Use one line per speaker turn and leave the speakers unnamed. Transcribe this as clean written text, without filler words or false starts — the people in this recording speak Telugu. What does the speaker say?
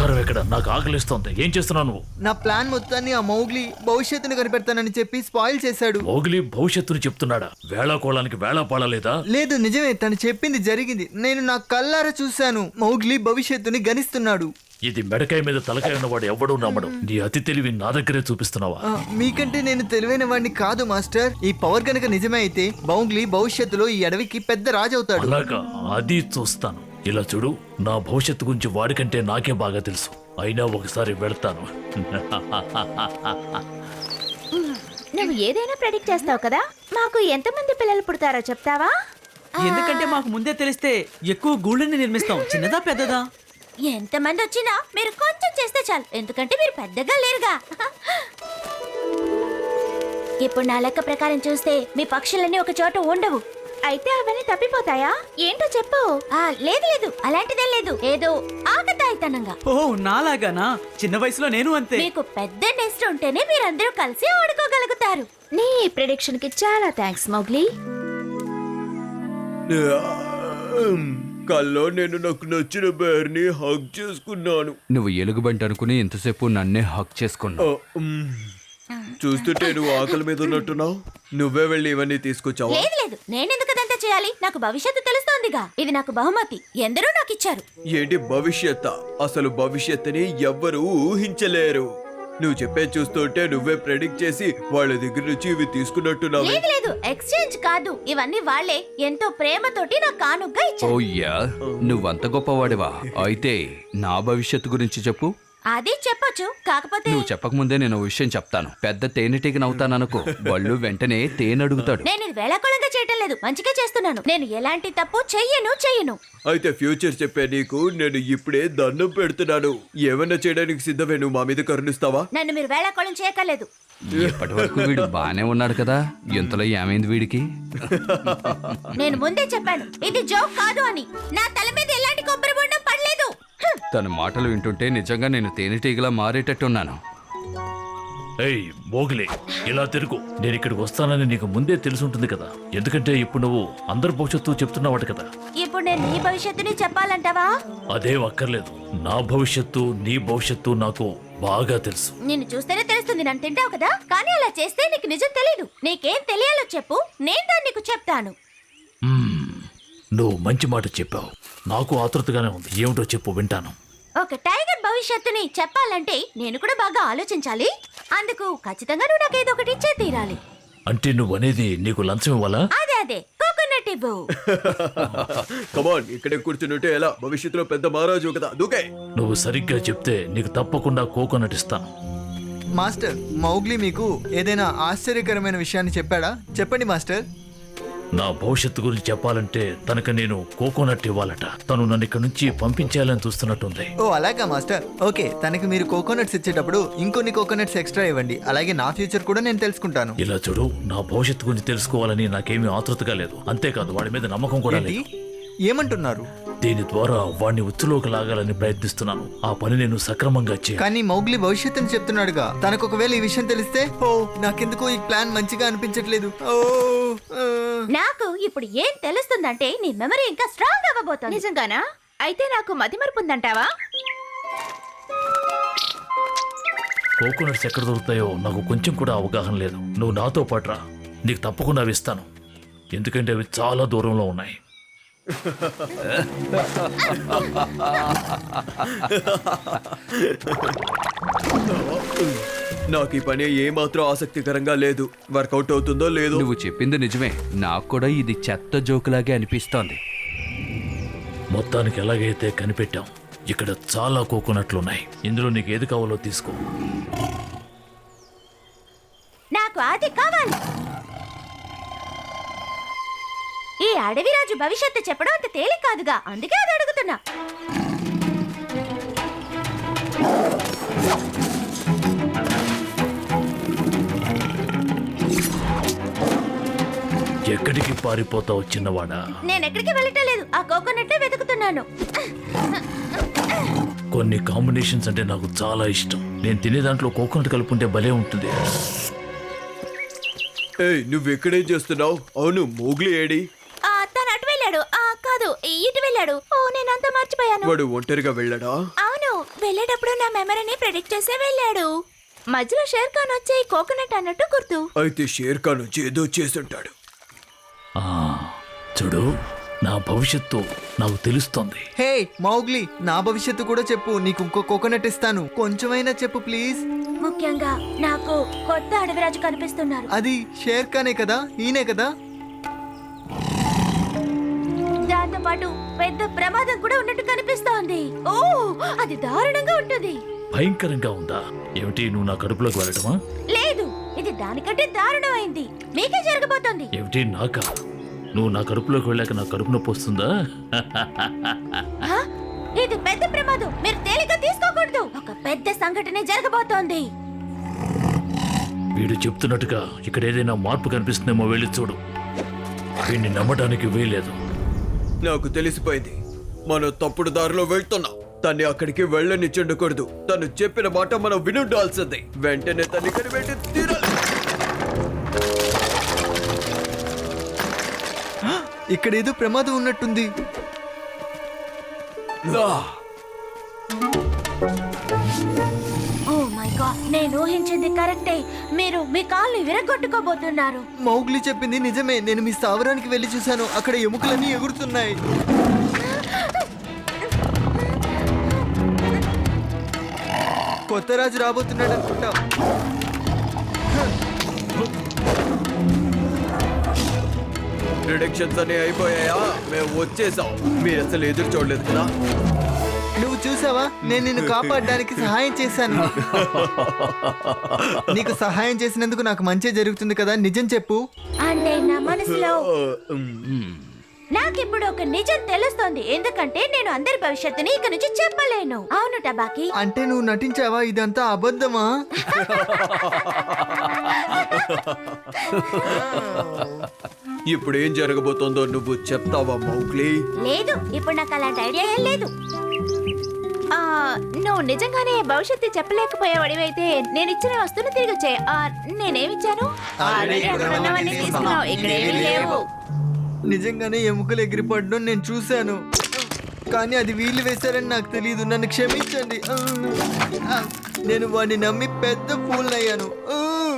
ఆహారం ఎక్కడ? నాకు ఆకలిస్తోంది. ఏం చేస్తున్నావు నువ్వు?
నా ప్లాన్ మొత్తాన్ని ఆ మౌగ్లీ భవిష్యత్తును కనిపెడతానని చెప్పి స్పాయిల్ చేశాడు.
మౌగ్లీ భవిష్యత్తును చెప్తున్నాడా? వేళాకోళానికి వేళ పాడలేదా?
లేదు, నిజమే, తను చెప్పింది జరిగింది. నేను నా కళ్ళారా చూశాను. మౌగ్లీ భవిష్యత్తుని గణిస్తున్నాడు.
ఇది మెడకాయ మీద తలకాయ ఉన్నవాడు ఎవడూ నమ్మడు. నీ అతి తెలివి నా దగ్గరే చూపిస్తున్నావా?
మీకంటే నేను తెలివైన వాడిని కాదు మాస్టర్. ఈ పవర్ కనుక నిజమే అయితే మౌగ్లీ భవిష్యత్తులో ఈ అడవికి పెద్ద రాజు అవుతాడు.
అలాగా? అది చూస్తాను. ఇలా చూడు, నా భవిష్యత్తు గురించి వాడికంటే నాకే బాగా తెలుసు. అయినా ఒకసారి వెళ్తాను.
నువ్వు ఏదైనా ప్రెడిక్ట్ చేస్తావు కదా. మాకు ఎంతమంది పిల్లలు పుడతారో చెప్తావా?
ఎందుకంటే మాకు ముందే తెలిస్తే ఎక్కువ గూళ్ళని నిర్మిస్తాం. చిన్నదా పెద్దదా?
ఎంతమంది వచ్చినా మీరు కొంచెం చేస్తే చాలు, ఎందుకంటే మీరు పెద్దగా లేరుగా. ఇప్పుడు నా లెక్క ప్రకారం చూస్తే మీ పక్షులన్నీ ఒక చోట ఉండవు. అయితే అవన్నీ తప్పిపోతాయా? ఏంటో చెప్పు. లేదు లేదు, అలాంటిదే లేదు. ఏదో ఆకతాయితనంగా.
ఓ నాలాగానా? చిన్న వయసులో నేను అంతే.
మీకు పెద్ద నెస్ట్ ఉంటేనే మీరందరూ కలిసి ఆడుకోగలుగుతారు. నీ ప్రిడిక్షన్ కి చాలా థ్యాంక్స్ మౌగ్లీ.
కల్లో నేను నాకు నచ్చిన బేర్ని హగ్ చేసుకున్నాను.
నువ్వు ఎలుగుబంటి అనుకుని ఇంతసేపు నన్నే హక్ చేసుకున్నావు.
చూస్తుంటే నువ్వు ఆకలి మీద ఉన్నట్టున్నావు. నువ్వే వెళ్ళి ఇవన్నీ తీసుకొచ్చావా?
లేదు లేదు, నేనెందుకు అదంతా చేయాలి? నాకు భవిష్యత్తు తెలుస్తోందిగా. ఇది నాకు బహుమతి, ఎందరూ నాకు ఇచ్చారు.
ఏంటి భవిష్యత్? అసలు భవిష్యత్తుని ఎవ్వరూ ఊహించలేరు. నువ్వు చెప్పే చూస్తుంటే నువ్వే ప్రెడిక్ట్ చేసి వాళ్ళ దగ్గర నుంచి ఇవి తీసుకున్నట్టున్నావు.
లేదు లేదు, ఎక్స్చేంజ్ కాదు, ఇవన్నీ వాళ్ళే ఎంతో ప్రేమతోటి నాకు కానుగ్గా ఇచ్చారు.
ఓయ్యా, నువ్వంత గొప్పవాడివా? అయితే నా భవిష్యత్తు గురించి చెప్పు.
అది చెప్పొచ్చు, కాకపోతే
నువ్వు చెప్పకముందే నేను ఓ విషయం చెప్తాను. పెద్ద తేనెటీగనవుతాననుకో, వాళ్ళు వెంటనే తేనె అడుగుతాడు.
నేను ఇది వేళాకోళంగా చేయటం లేదు, మంచిగా చేస్తున్నాను. నేను ఎలాంటి తప్పు చెయ్యను.
అయితే ఫ్యూచర్ చెప్పే నీకు నేను ఇప్పుడే దండం పెడుతున్నాను. ఏమన్నా చేయడానికి సిద్ధమే. నువ్వు మా మీద కరుణిస్తావా?
నన్ను మీరు వేళాకోళం చేయక్కర్లేదు.
ఇప్పటి వరకు వీడు బానే ఉన్నాడు కదా, ఇంతలో ఏమైంది వీడికి?
నేను ముందే చెప్పాను ఇది జోక్ కాదు అని. నా తల మీద ఎలాంటి కొబ్బరి బొండం పడలేదు.
తన మాటలు వింటుంటే నిజంగా నేను తేనెటీగలా మారేటట్టున్నాను.
ఏయ్ మోగిలే, ఇలా తిరుగు. నేను ఇక్కడికి వస్తానని నీకు ముందే తెలుసుంటుంది కదా. ఎందుకంటే ఇప్పుడు నువ్వు అందరి భవిష్యత్తు చెప్తున్నావాడు కదా.
ఇప్పుడు నేను నీ భవిష్యత్తుని చెప్పాలంటావా?
అదేం అక్కర్లేదు. నా భవిష్యత్తు నీ భవిష్యత్తు నాకు బాగా తెలుసు.
నిన్ను చూస్తేనే తెలుస్తుంది. నన్ను తింటావు కదా, కానీ అలా చేస్తే నీకు నిజం తెలీదు. నీకేం తెలియాలో చెప్పు, నేను దాన్ని నీకు చెప్తాను.
నువ్వు మంచి మాట చెప్పావు. నాకు ఆతృతగానే ఉంది. ఏమిటో చెప్పు, వింటాను.
ఒక టైగర్ భవిష్యత్తుని చెప్పాలంటే నేను కూడా బాగా ఆలోచించాలి. అందుకు ఖచ్చితంగా నువ్వు నాకు ఏదో ఒకటి ఇచ్చే తీరాలి.
అంటే నువ్వు అనేది నీకు లంచం ఇవ్వాలా?
అదే కోకోనట్ ఇవ్వు.
కమాన్, ఇక్కడే కూర్చుంటే ఎలా? భవిష్యత్తులో పెద్ద మహారాజు కదా, దూకే.
నువ్వు సరిగ్గా చెప్తే నీకు తప్పకుండా కోకోనట్ ఇస్తాను.
మాస్టర్, మౌగ్లీ మీకు ఏదైనా ఆశ్చర్యకరమైన విషయాన్ని చెప్పాడా? చెప్పండి మాస్టర్.
నా భవిష్యత్తు గురించి చెప్పాలంటే తనకు నేను కోకోనట్ ఇవ్వాలట. తను నన్ను ఇక్కడ నుంచి పంపించేయాలని చూస్తున్నట్టుంది.
ఓ అలాగా మాస్టర్. ఓకే, తనకి మీరు కోకోనట్స్ ఇచ్చేటప్పుడు ఇంకొన్ని కోకోనట్స్ ఎక్స్ట్రా ఇవ్వండి. అలాగే నా ఫ్యూచర్ కూడా నేను తెలుసుకుంటాను.
ఇలా చూడు, నా భవిష్యత్తు గురించి తెలుసుకోవాలని నాకేమీ ఆతృతగా లేదు. అంతేకాదు వాడి మీద నమ్మకం కూడా
ఏంటి?
లేదు.
ఏమంటున్నారు?
దీని ద్వారా వాడిని ఉచ్చులోకి లాగాలని ప్రయత్నిస్తున్నాను. ఆ పని నేను సక్రమంగా చేయాలి.
కానీ మౌగ్లీ భవిష్యత్తుని చెప్తున్నాడుగా. తనకు ఒకవేళ ఈ విషయం తెలిస్తే, ఓ నాకెందుకో ఈ ప్లాన్ మంచిగా అనిపించట్లేదు.
నాకు ఇప్పుడు ఏం తెలుస్తుందంటే నీ మెమరీ ఇంకా స్ట్రాంగ్ అవ్వబోతోంది. నిజంగానా? అయితే నాకు మతిమరుపు ఉందంటావా?
కోకోనట్స్ ఎక్కడ దొరుకుతాయో నాకు కొంచెం కూడా అవగాహన లేదు. నువ్వు నాతో పాటు రా, నీకు తప్పకుండా అవి ఇస్తాను. ఎందుకంటే అవి చాలా దూరంలో ఉన్నాయి.
నాకు ఈ పని ఏమాత్రం ఆసక్తికరంగా లేదు. వర్కౌట్ అవుతుందో లేదో.
నువ్వు చెప్పింది నిజమే. నాకు కూడా ఇది చెత్త జోకులాగే అనిపిస్తోంది.
మొత్తానికి ఎలాగైతే కనిపెట్టాం. ఇక్కడ చాలా కోకోనట్లున్నాయి. ఇందులో నీకు ఏది కావాలో తీసుకో.
నాకు అది కావాలి. ఈ అడవిరాజు భవిష్యత్తు చెప్పడం అంత తేలిక కాదుగా, అందుకే అది అడుగుతున్నా.
ఎక్కడికి పారిపోతావు చిన్నవాడా?
నేనెక్కడికి వెళ్ళటం లేదు, ఆ కోకోనట్టే వెతుకుతున్నాను.
కొన్ని కాంబినేషన్స్ అంటే నాకు చాలా ఇష్టం. నేను తినే దాంట్లో కోకోనట్ కలుపుకుంటే భలే ఉంటుంది.
ఏయ్, నువ్వెక్కడేం చేస్తున్నావు? అవును, మోగ్లీ ఏడి?
తను అటు వెళ్ళాడు. కాదు, ఇటు వెళ్ళాడు. ఓ నేనంతా మర్చిపోయాను.
వాడు ఒంటరిగా వెళ్ళడా?
అవును, వెళ్ళేటప్పుడు నా మెమరీని ప్రెడిక్ట్ చేసే వెళ్ళాడు. మధ్యలో షేర్ ఖాన్ వచ్చి కోకోనట్ అన్నట్టు గుర్తు.
అయితే షేర్ ఖాన్ వచ్చి ఏదో చేసుంటాడు.
ఆ, చూడు, నా భవిష్యత్తు నాకు తెలుస్తోంది.
హే మౌగ్లీ, నా భవిష్యత్తు కూడా చెప్పు. నీకు ఇంకో కోకోనట్ ఇస్తాను, కొంచెమైనా చెప్పు ప్లీజ్.
ముఖ్యంగా నాకు కొత్త అడవిరాజు కనిపిస్తున్నారు.
అది షేర్ ఖానే కదా, ఈయనే కదా?
దాంతో పాటు పెద్ద ప్రమాదం కూడా ఉన్నట్టు కనిపిస్తోంది. ఓ, అది దారుణంగా ఉంటుంది.
భయంకరంగా ఉందా? ఏమిటి, నువ్వు నా కడుపులోకి వెళ్ళటమా?
లేదు, ఇది దానికంటే దారుణమైంది. మీకే జరగబోతోంది.
ఏమిటి, నాకా? నువ్వు నా కడుపులోకి వెళ్ళాక నా కడుపు నొప్పి వస్తుందా?
హ? ఇది పెద్ద ప్రమాదం. మీరు తేలిక తీసుకోకూడదు. ఒక పెద్ద సంఘటన జరగబోతోంది.
వీడు చెప్తున్నట్టుగా ఇక్కడ ఏదైనా మార్పు కనిపిస్తుందేమో, వెళ్ళి చూడు. వీడిని నమ్మడానికి వీల్లేదు.
నాకు తెలిసిపోయింది, మనం తప్పుడు దారిలో వెళ్తున్నాం. తన్ని అక్కడికి వెళ్ళనిచ్చుండకూడదు. తను చెప్పిన మాట మనం వినుండాల్సింది. వెంటనే తన్ని కనిపెట్టి తీరాలి.
ఇక్కడ ఏదో ప్రమాదం ఉన్నట్టుంది.
ఓ మై గాడ్, నేను ఊహించింది కరెక్టే. మీరు మీ కాళ్ళు విరగొట్టుకోబోతున్నారు.
మౌగ్లీ చెప్పింది నిజమే. నేను మీ స్థావరానికి వెళ్ళి చూశాను, అక్కడ ఎముకలన్నీ ఎగురుతున్నాయి. కొత్త రాజు రాబోతున్నాడు అనుకుంటా.
ప్రిడిక్షన్స్ అన్ని అయిపోయాయా? మేము వచ్చేసాం. మీరు అసలు ఎదురు చూడలేదు కదా.
నువ్వు చూసావా, నేను నిన్ను కాపాడడానికి సహాయం చేశాను. నీకు సహాయం చేసినందుకు నాకు మంచి జరుగుతుంది కదా, నిజం చెప్పు.
అంటే నా మనసులో నాకిప్పుడు ఒక నిజం తెలుస్తోంది. ఎందుకంటే నేను అందరి భవిష్యత్తుని ఇక నుంచి చెప్పలేను. అవును టబాకి.
అంటే నువ్వు నటించావా? ఇదంతా అబద్ధమా?
ఇప్పుడు ఏం జరగబోతోందో నువ్వు చెప్తావా మౌగ్లీ?
లేదు, ఇప్పుడు నాకు అలాంటి ఐడియా ఏం లేదు. ఆ, నువ్వు నిజంగానే భవిష్యత్తు చెప్పలేకపోయేవాడివైతే నేను ఇచ్చిన వస్తువును తిరిగి వచ్చే. నేనేమిచ్చాను? ఆల్రెడీ అక్కడ ఉన్నవన్నీ తీసుకున్నావు. ఇక్కడ ఏమీ లేవు.
నిజంగానే ఎముకలు ఎగిరిపడడం నేను చూశాను, కానీ అది వీళ్ళు వేశారని నాకు తెలియదు. నన్ను క్షమించండి. నేను వాడిని నమ్మి పెద్ద ఫూల్ అయ్యాను.